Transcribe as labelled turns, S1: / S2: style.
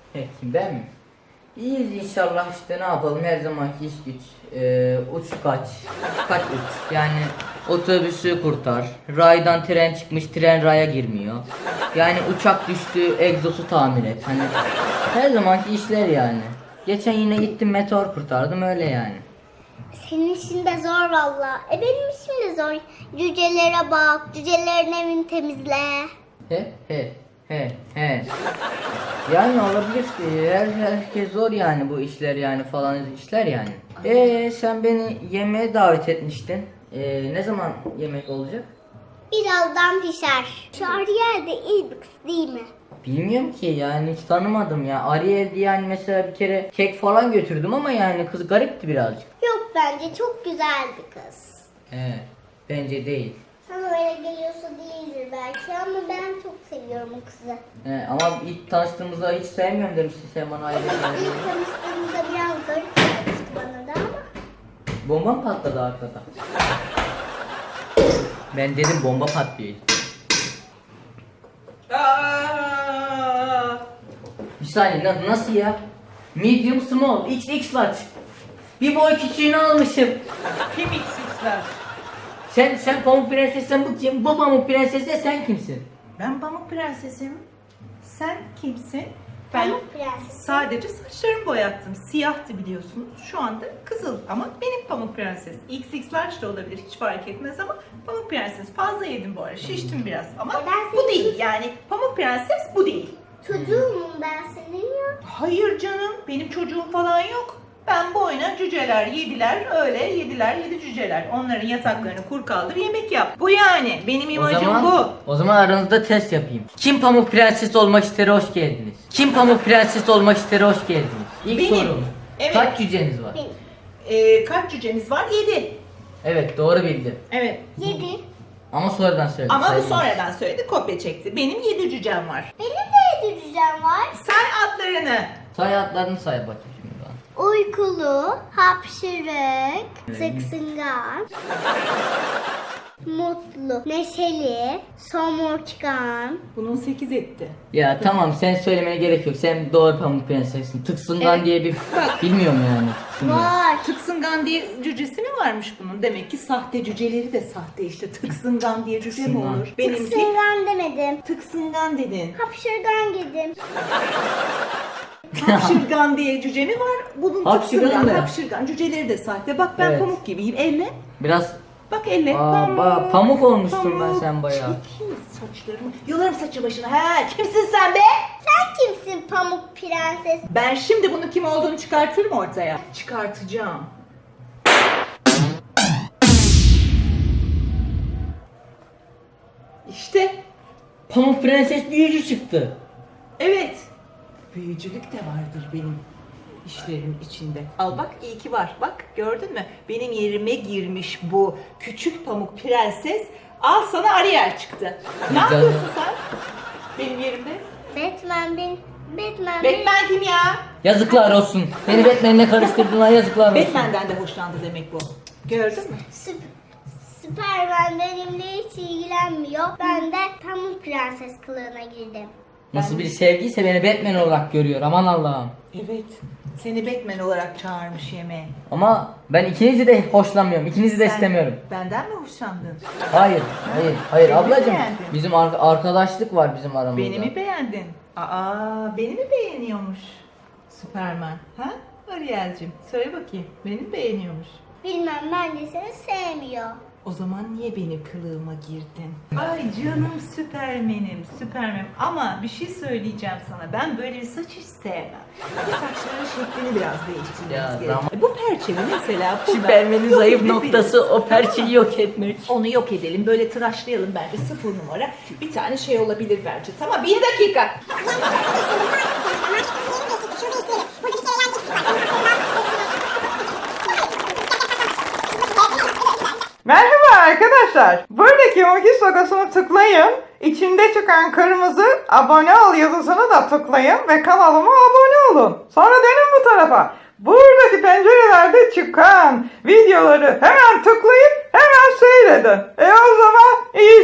S1: Ben mi? İyiyiz inşallah, işte ne yapalım, her zamanki iş güç. Uç kaç uç. Yani otobüsü kurtar. Raydan tren çıkmış, tren raya girmiyor. Yani uçak düştü, egzosu tamir et. Hani her zamanki işler yani. Geçen yine gittim, meteor kurtardım, öyle yani.
S2: Senin işin de zor valla. Benim işim de zor. Cücelere bak, cücelerin evini temizle.
S1: He. Yani olabilir. Herkes zor yani, bu işler yani, falan işler yani. Sen beni yemeğe davet etmiştin. Ne zaman yemek olacak?
S2: Birazdan pişer. Şu Ariel de iyi bir kız değil mi?
S1: Bilmiyorum ki yani, hiç tanımadım ya. Ariel diye yani, mesela bir kere kek falan götürdüm ama yani kız garipti birazcık.
S2: Yok, bence çok güzel bir kız.
S1: Bence değil.
S2: Sana öyle geliyorsa değildir belki ama ben çok seviyorum o kızı.
S1: Ama ilk tanıştığımızda hiç sevmiyorum demiştin sen bana, Ariel.
S2: İlk tanıştığımızda biraz garip gelmişti bana da ama.
S1: Bomba mı patladı arkada? Ben dedim bomba patlıyor. Bir saniye, nasıl ya? Medium small, XX large. Bir boy küçüğünü almışım.
S3: Kim XX'ler?
S1: Sen Pamuk Prenses'sen bu kim? Bu Pamuk Prenses de sen kimsin?
S3: Ben Pamuk Prensesim. Sen kimsin? Ben
S2: Pamuk Prenses.
S3: sadece saçlarımı boyattım. Siyahtı biliyorsunuz. Şu anda kızıl ama benim Pamuk Prenses. XX large da olabilir, hiç fark etmez ama Pamuk Prenses. Fazla yedim bu ara. Şiştim biraz ama
S2: Ben
S3: bu
S2: seni-
S3: değil. Yani Pamuk Prenses bu değil.
S2: Çocuğum ben senin ya.
S3: Hayır canım, benim çocuğum falan yok. Ben boyuna cüceler yediler, öyle yediler, yedi cüceler. Onların yataklarını kur kaldır, yemek yap. Bu yani, benim imajım bu.
S1: O zaman aranızda test yapayım. Kim Pamuk Prenses olmak ister, hoş geldiniz. Kim Pamuk Prenses olmak ister, hoş geldiniz. İlk
S3: Benim.
S1: sorum.
S3: Evet.
S1: Kaç cüceniz var?
S2: Benim.
S3: Kaç cücemiz var? 7.
S1: Evet, doğru bildim.
S3: Evet.
S2: 7.
S1: Ama sonradan söyledim.
S3: Ama bu
S1: sayılmaz.
S3: sonradan söyledi, kopya çekti. Benim 7 cücem var.
S2: Benim de 7 cücem var.
S3: Say adlarını.
S1: Say adlarını say bakayım şimdi bana.
S2: Uykulu, hapşırık, sıksıngan, mutlu, neşeli, somurtkan.
S3: Bunun 8 etti.
S1: Ya tamam, sen söylemene gerek yok. Sen doğru Pamuk Prensessin. Tıksıngan
S3: Evet.
S1: diye bir bilmiyorum yani. Tıksıngan.
S2: Var.
S3: Tıksıngan diye cücesi mi varmış bunun? Demek ki sahte cüceleri de sahte işte. Tıksıngan diye cüce mi
S1: Tıksıngan.
S3: olur? Benimki
S2: Sıksıngan demedim.
S3: tıksıngan dedin.
S2: Hapşırgan dedim.
S3: Hapşırgan diye cüce mi var? Bunun
S1: Hapşırgan
S3: tıksıngan,
S1: ne?
S3: hapşırgan. Cüceleri de sahte. Bak ben
S1: Evet.
S3: pamuk gibiyim. Elle.
S1: Biraz
S3: Bak elle.
S1: pamuk olmuşsun ben sen bayağı.
S3: Çekil saçlarımı. Yolarım saçı başına. He, kimsin sen be?
S2: Sen kimsin Pamuk Prenses?
S3: Ben şimdi bunun kim olduğunu çıkartırım ortaya. Çıkartacağım. İşte.
S1: Pamuk Prenses büyücü çıktı.
S3: Evet. Büyücülük de vardır benim işlerimin içinde. Al bak, iyi ki var. Bak gördün mü? Benim yerime girmiş bu küçük pamuk prenses. Al sana Ariel çıktı. Ne
S1: Güzel.
S3: yapıyorsun sen? Benim yerimde.
S2: Batman
S3: Batman kim ya?
S1: Yazıklar olsun. Beni Batman'le karıştırdın, yazıklar olsun.
S3: Batman'den de hoşlandı demek bu. Gördün mü?
S2: Süperman benimle hiç ilgilenmiyor. Ben de Pamuk Prenses kılığına girdim.
S1: Nasıl bir sevgiyse beni Batman olarak görüyor, aman Allah'ım.
S3: Evet. Seni Batman olarak çağırmış yemeğe.
S1: Ama ben ikinizi de hoşlanmıyorum, ikinizi de
S3: Sen
S1: istemiyorum.
S3: Benden mi hoşlandın?
S1: Hayır
S3: Beni
S1: ablacığım.
S3: beğendin.
S1: Bizim arkadaşlık var bizim aramızda.
S3: Beni mi beğendin? Aa, beni mi beğeniyormuş Süperman? Ha? Ariel'cim söyle bakayım. Beni mi beğeniyormuş?
S2: Bilmem, bence seni sevmiyor.
S3: O zaman niye benim kılığıma girdin? Ay canım Süpermen'im. Ama bir şey söyleyeceğim sana. Ben böyle bir saç hiç sevmem. Bu saçların şeklini biraz
S1: Ya,
S3: değiştirmemiz gerekiyor.
S1: tamam.
S3: Bu perçemi mesela burada
S1: Süpermen'in
S3: yok
S1: zayıf
S3: edebiliriz.
S1: noktası o perçeyi yok etmek.
S3: Onu yok edelim. Böyle tıraşlayalım bence. 0 numara. Bir tane şey olabilir bence. Tamam, bir dakika.
S4: Merhaba arkadaşlar. Buradaki Mokis logosunu tıklayın. İçinde çıkan kırmızı abone ol yazısını da tıklayın ve kanalıma abone olun. Sonra dönün bu tarafa. Buradaki pencerelerde çıkan videoları hemen tıklayıp hemen seyredin. O zaman iyi